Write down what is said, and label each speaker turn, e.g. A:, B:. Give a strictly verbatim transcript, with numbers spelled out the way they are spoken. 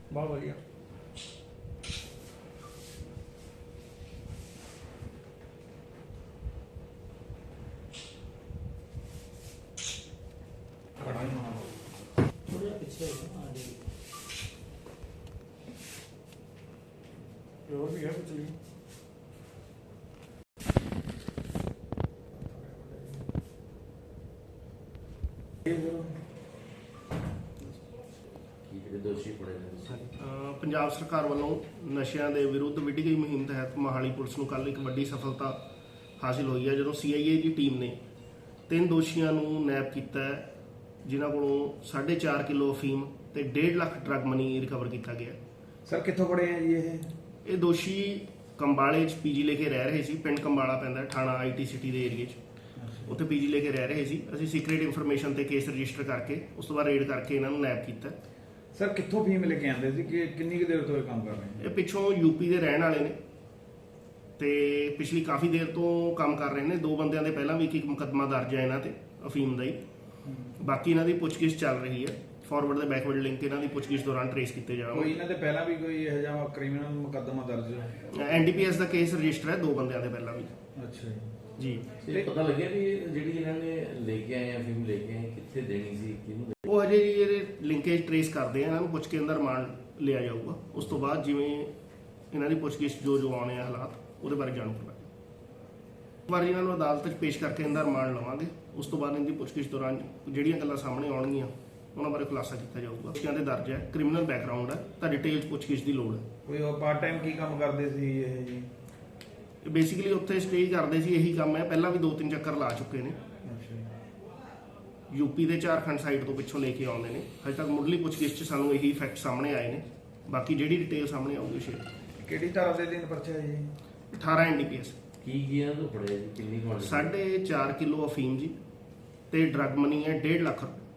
A: बहुत बढ़िया।
B: थोड़ा पीछे आगे
A: और भी है कुछ नहीं।
C: ਪੰਜਾਬ ਸਰਕਾਰ ਵੱਲੋਂ ਨਸ਼ਿਆਂ ਦੇ ਵਿਰੁੱਧ ਵਿੱਢੀ ਗਈ ਮੁਹਿੰਮ ਤਹਿਤ ਮੋਹਾਲੀ ਪੁਲਿਸ ਨੂੰ ਕੱਲ੍ਹ ਇੱਕ ਵੱਡੀ ਸਫਲਤਾ ਹਾਸਿਲ ਹੋਈ ਹੈ, ਜਦੋਂ ਸੀ ਆਈ ਏ ਦੀ ਟੀਮ ਨੇ ਤਿੰਨ ਦੋਸ਼ੀਆਂ ਨੂੰ ਨੈਪ ਕੀਤਾ ਹੈ, ਜਿਨ੍ਹਾਂ ਕੋਲੋਂ ਸਾਢੇ ਚਾਰ ਕਿਲੋ ਅਫੀਮ ਤੇ ਡੇਢ ਲੱਖ ਡਰੱਗ ਮਨੀ ਰਿਕਵਰ ਕੀਤਾ ਗਿਆ।
A: ਸਰ ਕਿੱਥੋਂ ਪੜੇ ਆ ਜੀ ਇਹ?
C: ਇਹ ਦੋਸ਼ੀ ਕੰਬਾਲੇ 'ਚ ਪੀਜੀ ਲੈ ਕੇ ਰਹਿ ਰਹੇ ਸੀ। ਪਿੰਡ ਕੰਬਾਲਾ ਪੈਂਦਾ ਥਾਣਾ ਆਈ ਟੀ ਸਿਟੀ ਦੇ ਏਰੀਏ 'ਚ, ਉੱਥੇ ਪੀਜੀ ਲੈ ਕੇ ਰਹਿ ਰਹੇ ਸੀ। ਅਸੀਂ ਸੀਕ੍ਰੀਟ ਇਨਫੋਰਮੇਸ਼ਨ ਤੇ ਕੇਸ ਰਜਿਸਟਰ ਕਰਕੇ ਉਸ ਤੋਂ ਬਾਅਦ ਰੇਡ ਕਰਕੇ ਇਹਨਾਂ ਨੂੰ ਨੈਪ ਕੀਤਾ।
A: ਸਰ ਕਿੱਥੋਂ ਫੀਮ ਲੈ ਕੇ ਆਉਂਦੇ ਸੀ ਕਿ ਕਿੰਨੀ ਕੁ ਦੇਰ ਤੋਂ ਇਹ ਕੰਮ ਕਰ ਰਹੇ ਨੇ?
C: ਇਹ ਪਿੱਛੋਂ ਯੂਪੀ ਦੇ ਰਹਿਣ ਵਾਲੇ ਨੇ ਤੇ ਪਿਛਲੀ ਕਾਫੀ ਦੇਰ ਤੋਂ ਕੰਮ ਕਰ ਰਹੇ ਨੇ। ਦੋ ਬੰਦਿਆਂ ਦੇ ਪਹਿਲਾਂ ਵੀ ਇੱਕ ਇੱਕ ਮੁਕੱਦਮਾ ਦਰਜ ਹੈ ਇਹਨਾਂ ਤੇ ਅਫੀਮ ਦਾ ਹੀ। ਬਾਕੀ ਇਹਨਾਂ ਦੀ ਪੁੱਛਗਿੱਛ ਚੱਲ ਰਹੀ ਹੈ। ਫਾਰਵਰਡ ਤੇ ਬੈਕਵਰਡ ਲਿੰਕ ਇਹਨਾਂ ਦੀ ਪੁੱਛਗਿੱਛ ਦੌਰਾਨ ਟ੍ਰੇਸ ਕੀਤੇ
A: ਕੋਈ
C: ਜਾਣਗੇ।
A: ਇਹਨਾਂ ਦੇ ਪਹਿਲਾਂ ਵੀ ਕੋਈ ਇਹੋ ਜਿਹਾ ਕ੍ਰਿਮੀਨਲ ਮੁਕੱਦਮਾ ਦਰਜ ਹੈ?
C: ਐਨ ਡੀ ਪੀ ਐਸ ਦਾ ਕੇਸ ਰਜਿਸਟਰ ਹੈ ਦੋ ਬੰਦਿਆਂ ਦੇ ਪਹਿਲਾਂ ਵੀ।
A: ਅੱਛਾ
C: ਜੀ
D: ਇਹ ਪਤਾ ਲੱਗਿਆ ਵੀ ਜਿਹੜੀ ਇਹਨਾਂ ਨੇ ਲੈ ਕੇ ਆਏ ਆ ਫਿਲਮ ਲੈ ਕੇ ਆਏ ਕਿੱਥੇ ਦੇਣੀ ਸੀ, ਕਿਹਨੂੰ ਦੇਣੀ?
C: ਉਹ ਅਜੇ ਜੀ ਇਹਦੇ ਲਿੰਕੇਜ ਟ੍ਰੇਸ ਕਰਦੇ ਆ, ਇਹਨਾਂ ਨੂੰ ਪੁੱਛ ਕੇ ਅੰਦਰ ਰਿਮਾਂਡ ਲਿਆ ਜਾਊਗਾ। ਉਸ ਤੋਂ ਬਾਅਦ ਜਿਵੇਂ ਇਹਨਾਂ ਦੀ ਪੁੱਛਗਿੱਛ ਜੋ ਜੋ ਆਉਣੇ ਆ ਹਾਲਾਤ ਉਹਦੇ ਬਾਰੇ ਜਾਣੂ ਕਰਵਾਂਗੇ। ਇੱਕ ਵਾਰ ਇਹਨਾਂ ਨੂੰ ਅਦਾਲਤ 'ਚ ਪੇਸ਼ ਕਰਕੇ ਇਹਦਾ ਰਿਮਾਂਡ ਲਵਾਂਗੇ। ਉਸ ਤੋਂ ਬਾਅਦ ਇਹਦੀ ਪੁੱਛਗਿੱਛ ਦੌਰਾਨ ਜਿਹੜੀਆਂ ਗੱਲਾਂ ਸਾਹਮਣੇ ਆਉਣਗੀਆਂ ਉਹਨਾਂ ਬਾਰੇ ਖੁਲਾਸਾ ਕੀਤਾ ਜਾਊਗਾ। ਬੱਚਿਆਂ ਦੇ ਦਰਜ ਹੈ, ਕ੍ਰਿਮੀਨਲ ਬੈਕਗ੍ਰਾਉਂਡ ਹੈ, ਤਾਂ ਡਿਟੇਲ 'ਚ ਪੁੱਛਗਿੱਛ ਦੀ ਲੋੜ ਹੈ।
A: ਕੋਈ ਪਾਰਟ ਟਾਈਮ ਕੀ ਕੰਮ ਕਰਦੇ ਸੀ ਇਹ ਜੀ?
C: ਬੇਸਿਕਲੀ ਉੱਥੇ ਸਟੇ ਕਰਦੇ ਸੀ, ਇਹੀ ਕੰਮ ਹੈ। ਪਹਿਲਾਂ ਵੀ ਦੋ ਤਿੰਨ ਚੱਕਰ ਲਾ ਚੁੱਕੇ ਨੇ। ਯੂਪੀ ਦੇ ਝਾਰਖੰਡ ਸਾਈਡ ਤੋਂ ਪਿੱਛੋਂ ਲੈ ਕੇ ਆਉਂਦੇ ਨੇ। ਹਜੇ ਤੱਕ ਮੁੱਢਲੀ ਪੁੱਛਗਿੱਛ 'ਚ ਸਾਨੂੰ ਇਹੀ ਫੈਕਟ ਸਾਹਮਣੇ ਆਏ ਨੇ। ਬਾਕੀ ਜਿਹੜੀ ਡਿਟੇਲ ਸਾਹਮਣੇ ਆਊਗੀ ਸ਼ੇਅਰ।
A: ਕਿਹੜੀ ਧਾਰਾ ਦੇ ਦਿਨ ਪਰਚਾ ਹੈ ਜੀ?
C: ਅਠਾਰਾਂ ਐਨ ਡੀ ਪੀ ਐਸ।
D: ਕੀ ਗਿਆ ਤੋਂ ਫੜਿਆ ਜੀ, ਕਿੰਨੀ ਕੁਆਂਟੀਟੀ?
C: ਸਾਢੇ ਚਾਰ ਕਿਲੋ ਅਫੀਮ ਜੀ ਤੇ ਡਰੱਗ ਮਨੀ ਹੈ ਡੇਢ ਲੱਖ ਰੁਪਏ।